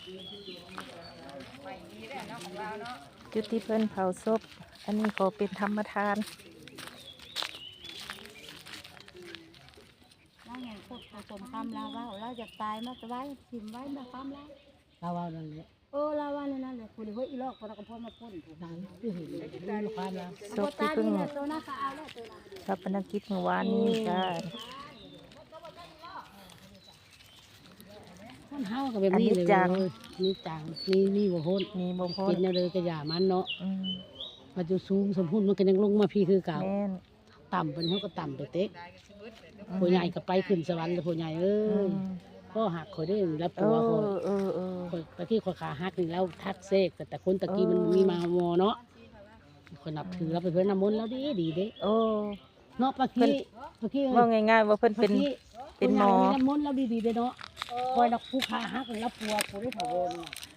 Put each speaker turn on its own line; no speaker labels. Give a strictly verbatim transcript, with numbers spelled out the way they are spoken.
จุดที่เพิ่นเผาศพอันนี้ขอเป็นธรรมทาน
เราอย่างพวกผสมคำเราว่าเราอยากตายมาจะไว้ทิมไว้มาคำเราเราว่านั่นแหละเออเราว่านั่นแหละคุณเฮ้ยอีลอกคนเราก็พ่อมาพ่นถูกนั้นที่เห็นลูกค้าเรา
ศพที่เพิ่งรับปนกิจเมื่อวานนี้จ้า
คนเฮาก็แบบนี้เลยนี่จังนี่นี่บ่พ้น
นี่บ่พ้น
กินเลยกระยามันเนาะมันจะสูงสมพูนมันก็ยังลงมาพี่คือเก่าต่ำเป็นเขาก็ต่ำไปเต็กผู้ใหญ่ก็ไปขึ้นสวรรค์เลยผู้ใหญ่เอ้ยพ่อหักคอยได้รับตัวคอยตะกี้คอยขาหักนี่แล้วทักเซกแต่แต่คนตะกี้มันมีมามอเนาะคนนับถือเราไปเพื่อนน้ำมนต์แล้วดีดีเด้
โอ้
เนาะปะกี้ปะกี้
ว่าง่ายๆว่าเพิ่นเป็นเป็นหมอ
น้ำมนต์แล้วดีดีเด้เนาะคอยนักผู้ขาหักแล้วปัวผู้ได้ถาวร